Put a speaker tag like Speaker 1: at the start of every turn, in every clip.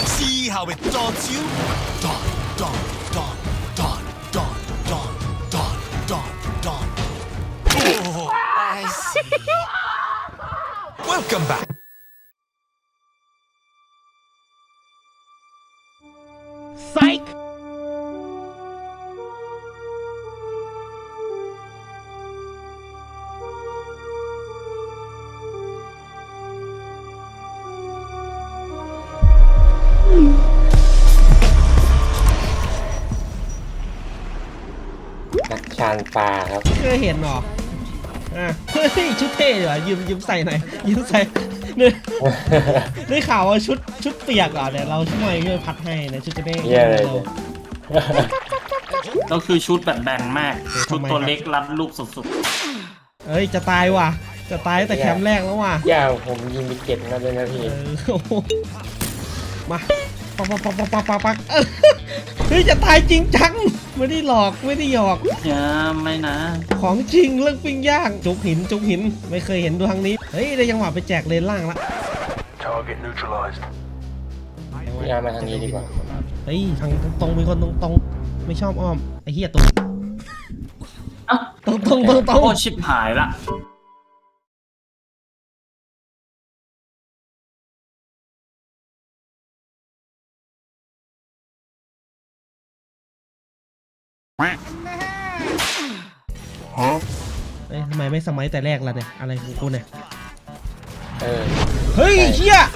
Speaker 1: See how it daunts you? Dawn, dawn, dawn, dawn, dawn, dawn, dawn, dawn, dawn. Oh, I see. Welcome back.
Speaker 2: Psych
Speaker 3: นักชานปลาครับ
Speaker 2: เคยเห็นหรอเฮ้ยชุดเท่ดีว่ะยืมใส่หน่อยยืมใส่เนี่ยได้ข่าวว่าชุดเปียกเหรอเนี่ยเราช่วยพัดให้นะชุดจะได้
Speaker 3: เยี่ยเลย
Speaker 4: ก็คือชุดแบบแบนมาก ชุดตัวเล็กรัดรูปสุด
Speaker 2: เอ้ยจะตายว่ะจะตายแต่แคมป์แรกแล้วว่ะ
Speaker 3: ย่าผมยิงไปเก็บมาเลยนะพี่
Speaker 2: มาปักเฮ้ยจะตายจริงจังไม่ได้หลอกไม่ได้หยอก
Speaker 4: ๆอย่าไม่นะ
Speaker 2: ของจริงเรื่องปิ้งย่างจุกหินไม่เคยเห็นดูทางนี้เฮ้ยได้จังหวะไปแจกเลนล่างละ
Speaker 5: Target neutralized.
Speaker 3: พี่อาร์มาทางนี้ดีกว่า
Speaker 2: เฮ้ยทางตรงเป็นคนตรงไม่ชอบอ้อมไอ้เหี้ยตรง
Speaker 4: เอ้า
Speaker 2: ตรง
Speaker 4: โอ้ชิบหายละ
Speaker 2: เอ้ยทำไมไม่สมัยแต่แรกล่ะเนี่ยอะไรของกูเนี่ย
Speaker 3: เ
Speaker 2: เฮ้ยเหี้ยไอ้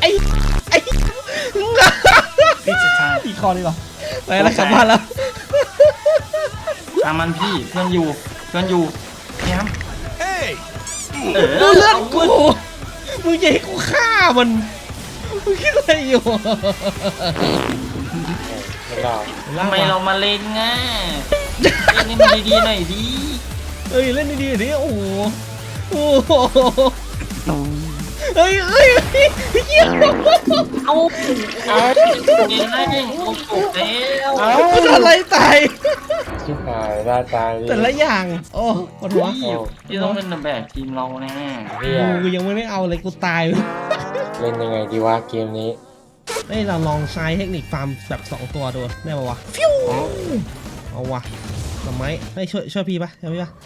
Speaker 4: พี่จะทาย
Speaker 2: อีกคอดีกว่าไปแล้วกลับบ้านแล้ว
Speaker 4: ตามมันพี่เพื่อนอยู่แย้ม
Speaker 1: Hey!
Speaker 2: ดูเลือดกูมึงจะให้กูฆ่ามันมึงคิดอะไรอยู่
Speaker 3: ไม่รอด
Speaker 4: ทำไมเรามาเล่นง่ะเล่นนี่มันดีๆหน่อยดิ
Speaker 2: เฮ้ยเล่นดีๆดิโอ้โหโอ้โหเฮ้ยเหี้ย
Speaker 4: เอาเก่งได้โอ้โหแล้ว
Speaker 2: มันอะไรตาย
Speaker 3: ชิบหายล่าตาย
Speaker 2: แต่ละอย่างโอ้ปวดหัว
Speaker 4: พี่ต้องเป็นแบบทีมเราแน่
Speaker 3: พี่
Speaker 2: กูยังไม่ได้เอาเลยกูตาย
Speaker 3: เล่นยังไงดีวะเกมนี้
Speaker 2: เฮ้ยเราลองใช้เทคนิคฟาร์มแบบ2ตัวดูได้ป่าวะฟิวเอาวะทำไมให้ช่วยพี่ปะช่วยพี่ปะ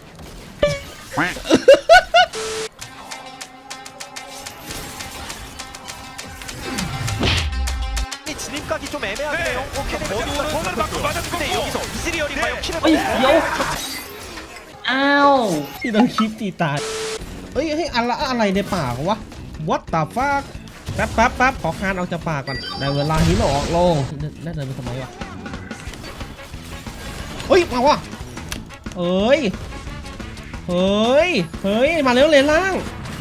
Speaker 5: 진입각이 좀 애매하네요. 오케이, 공을 받고 맞았는데 여기서 이즈리얼이 과연 킬을
Speaker 4: เฮ้ยเดี๋ยวอ้าว
Speaker 2: ที่โดนคลิปตีตายเฮ้ยอะไรในป่าวะ What the fuck แป๊บขอคานออกจากป่าก่อนได้เวลาหินออกลงน่าเดินไปทำไมวะเฮ้ยมาวะเฮ้ยมาเร็วเลยล่าง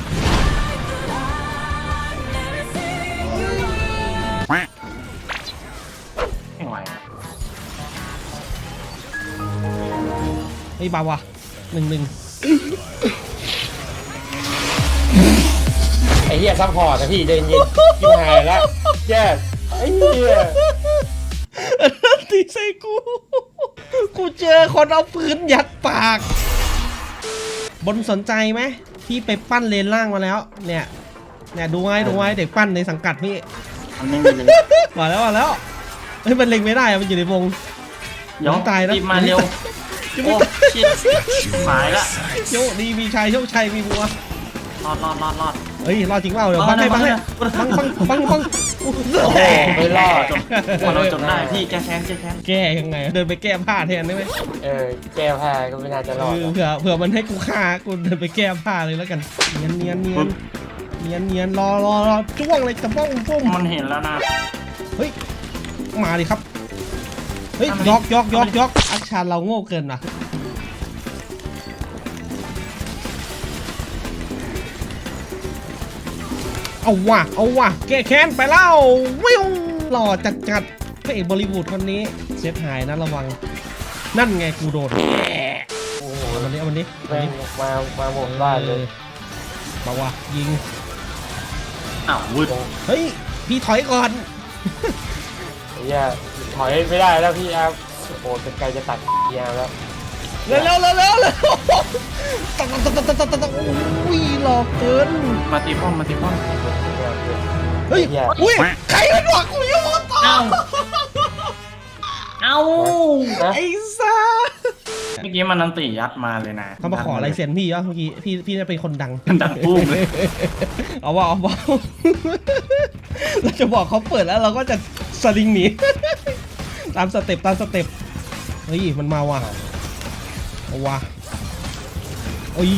Speaker 4: ไม่ไหว
Speaker 2: เฮ้ยบาวะ1-1
Speaker 3: ไอ้เหี้ยซัพพอร์ตนะพี่เดินเย็นชิบหายแล้วแย่ไอ้เหี้ย
Speaker 2: ตีใส่กูเจอคนเอาปืนยัดปากบนสนใจไหมพี่ไปปั้นเลนล่างมาแล้วเนี่ยดูไว้เด็กปั้นในสังกัดพี่
Speaker 4: มันไม่มีเลย
Speaker 2: มาแล้วเฮ้ยมันเล็งไม่ได้อะมันอยู่ในวง
Speaker 4: เดี๋ยว
Speaker 2: ตายแล้ว
Speaker 4: รีบมาเร็ว
Speaker 2: ยัง
Speaker 4: โอ้
Speaker 2: ไม่ตาย
Speaker 4: ชิบหายละ
Speaker 2: โชคดีมีชัยโชคชัยมีบัว
Speaker 4: รอด
Speaker 2: เฮ้ยรอดจริงเปล่าเดี๋ยวบังให้บัง
Speaker 3: โอ้โหไม่รอด
Speaker 4: พอเราจบได้พี่แก้แค้น
Speaker 2: แก้ยังไงเดินไปแก้ผ้าแทนได้ไหม
Speaker 3: แก้ผ้าก็ไม่น่าจะรอดหรอก
Speaker 2: เผื่อมันให้กูฆ่ากูเดินไปแก้ผ้าเลยแล้วกันเนียนรอจ้วงเลยจะป้องปุ้ม
Speaker 4: มันเห็นแล้วนะ
Speaker 2: เฮ้ยมาดิครับเฮ้ยยอกอักชานเราโง่เกินนะเอาว่ะแก้แค้นไปแล้ววิวหล่อจัดพระเอกบอลลีวูดคนนี้เซฟหายนะระวังนั่นไงกูโดน
Speaker 3: โอ้โห
Speaker 2: เอามันนี้
Speaker 3: แม่งมาหมดบ้านเลย
Speaker 2: มาว่ะยิง
Speaker 4: อ้าววืด
Speaker 2: เฮ้ยพี่ถอยก่อน
Speaker 3: ไอ้เหี้ยถอยไม่ได้แล้วพี่อาร์โอ้โหจะไกลจะตัดพี่อาร์แล้ว
Speaker 2: เร็วตัดอุ้ยหลอกเกิน
Speaker 4: มาตีป้อม
Speaker 2: เฮ้ยอุ้ยใครมันบอกกูอยู่ต่อ
Speaker 4: อ้าว
Speaker 2: ไอ้ซ่า
Speaker 4: เมื่อกี้มันนันติยัดมาเลยนะ
Speaker 2: เขามาขอลายเซ็นพี่วะเมื่อกี้พี่จะเป็นคนดัง
Speaker 4: ดังปุ้มเลย
Speaker 2: เอาว่า เราจะบอกเขาเปิดแล้วเราก็จะสลิงหนี ตามสเต็ปเฮ้ยมันมาว่ะเอาว่ะเฮ้ย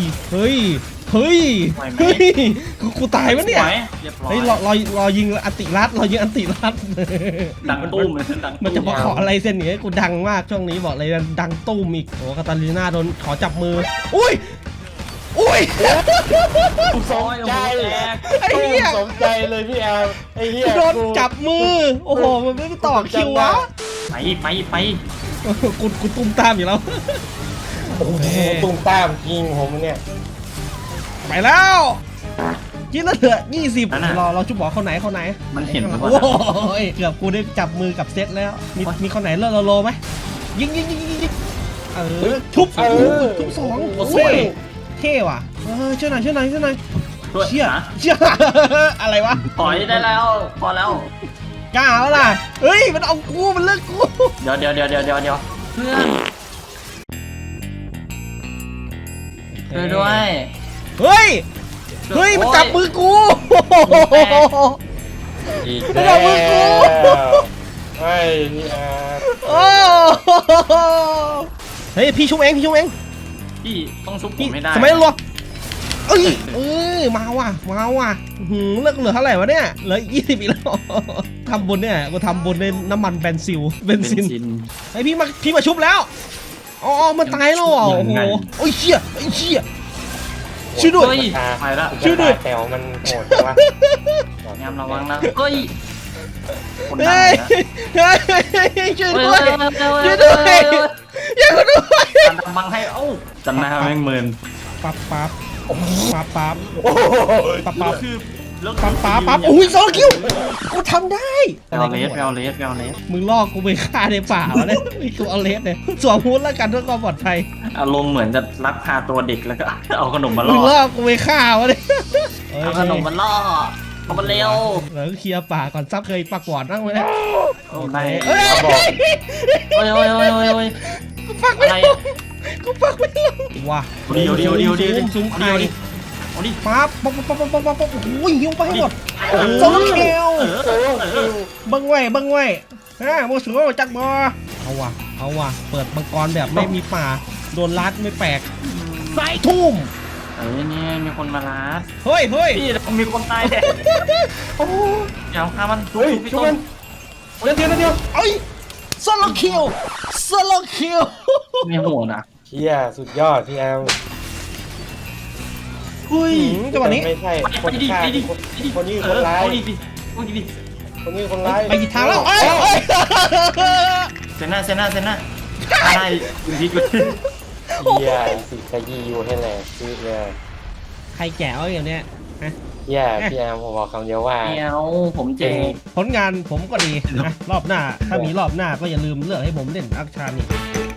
Speaker 2: กูตายมั้ยเนี่ย
Speaker 4: สวเรียบร้อย
Speaker 2: เฮ้ยรอยิงอันติรัด
Speaker 4: ดังตุ้มเลยดังตุ้
Speaker 2: มันจะมาขออะไรเส้นนี้กูดังมากช่วงนี้บอกเลยดังตุ้มอีกโอ้คาตาลีน่าโดนขอจับมืออุ้ย
Speaker 3: สมใจ
Speaker 2: ไอ้เหี้ย
Speaker 3: สมใจเลยพี่แอมไอ้เหี้ย
Speaker 2: โดนจับมือโอ้โหมันไม่ต่อคิววะ
Speaker 4: ไป
Speaker 2: กูตุ้มตามอยู่แล้ว
Speaker 3: โอ้โหตุ้มตามยิงผมเนี่ย
Speaker 2: ไปแล้วยิงแล้วเหลือ20เราชุบบอกเขาไหน
Speaker 4: มันเห็นหรือเป
Speaker 2: โอ้
Speaker 4: ล่า
Speaker 2: ยเกือบกูได้จับมือกับเซตแล้วมีคนไหนเลิศโลไหมยิงทุบสองเท่ว่ะช่วยหน่อย
Speaker 4: ด้วย
Speaker 2: เชี่ย
Speaker 4: นะ
Speaker 2: อะไรวะ
Speaker 4: ถอยได้แล้วพอแล้ว
Speaker 2: กล้าแล้วล่ะเฮ้ยมันเอากูมันเลิกกู
Speaker 4: เดี๋ยวเพื่อนช่วยด้วย
Speaker 2: เฮ้ยมันจับมือกู
Speaker 3: อีก
Speaker 2: แล้
Speaker 3: แล้ว
Speaker 2: มือกู
Speaker 3: ไอ้พี่แอม
Speaker 2: โอ้เฮ้ยพี่ชุบเอง
Speaker 4: พี่ต้องชุบผมไม่ได้
Speaker 2: สมัยรัวเอ้ยมาว่ะเลิกเหลือเท่าไหร่วะเนี่ยเหลือ20อีกแล้วทำบุญเนี่ยกูทำบุญในน้ำมันเบนซินไอพี่มาชุบแล้วอ๋อมันตายแล้วโอ้โหโอ้ยเชี่ยช่วยด้วย
Speaker 4: ไปละ
Speaker 2: ช่วยด้วย
Speaker 3: แถวมันโหดจังวะ
Speaker 4: ยามระวังนะเฮ้ยคนดัง
Speaker 2: เฮ้
Speaker 4: เลย ยนะ
Speaker 2: ช่วยด้วยอย่ากูด้วย
Speaker 4: ดังบังให้จำหน้าแม่งเมิน
Speaker 2: ปั๊บ
Speaker 3: โอ้โห
Speaker 4: คือเลิก
Speaker 2: ปั๊บอุ้ยโซคิวกูทำได้
Speaker 4: แววเลส
Speaker 2: มึงลอกกูไปฆ่าในป่าวะเนี่ยกูเอาเลสเนี่ยสวมฮู้ดแล้วกันเพื่อความปลอดภัย
Speaker 4: อารมณ์เหมือนจะลักพาตัวเด็กแล้วก็เอาขนมมา
Speaker 2: มึ
Speaker 4: ล่
Speaker 2: ง
Speaker 4: อ
Speaker 2: ลอกกูไปฆ่าวะเนี่ย
Speaker 4: เอาขนมมาล่อเอามาเร็ว
Speaker 2: แล้วเคลียร์ป่าก่อนซับเคยปากหวานนั่งไว้เนี่ย
Speaker 4: ไป
Speaker 2: เฮ้ย
Speaker 4: โอ้ย
Speaker 2: กูปักไม่ลงว้า
Speaker 4: เดียว
Speaker 2: ซุ้มไข่
Speaker 4: เอาดิ
Speaker 2: ปั๊บโอ้ยหิวไปให้หมดโซเคียวบังไว้โมสูจักบอเอาว่ะเปิดมังกรแบบไม่มีป่าโดนลัดไม่แปลกไฟทุ่ม
Speaker 4: นี่มีคนมาล้า
Speaker 2: เฮ้ย
Speaker 4: พี่มีคนตายแดดโอ้ยาวฆ่ามัน
Speaker 3: เฮ้ยชุบมันเดียว
Speaker 2: เอ้ยโซโลคิว
Speaker 4: มีหัวนะ
Speaker 3: เชี่ยสุดยอดพี่แอม
Speaker 4: เฮ้ย
Speaker 2: จังหวะนี้
Speaker 3: ไม่ใช่คนฆ่าคนนี้คนร้าย
Speaker 4: เอาดิ
Speaker 3: คนนี้คนร้าย
Speaker 2: ไปกี่ทางแล้วเอ้ย
Speaker 4: เซน่าได้คุณพี่กู
Speaker 3: เชี่ยสิขยี้อยู่ให้แหละชื่อเนี่ย
Speaker 2: ใครแก่เอาอย่างเนี้ยฮะ
Speaker 3: เชี่ยพี่แอมผมบอกคำเดียวว่า
Speaker 4: เมียวผมเจ๋ง
Speaker 2: ผลงานผมก็ดีนะรอบหน้าถ้ามีรอบหน้าก็อย่าลืมเลือกให้ผมเล่นอักชานี่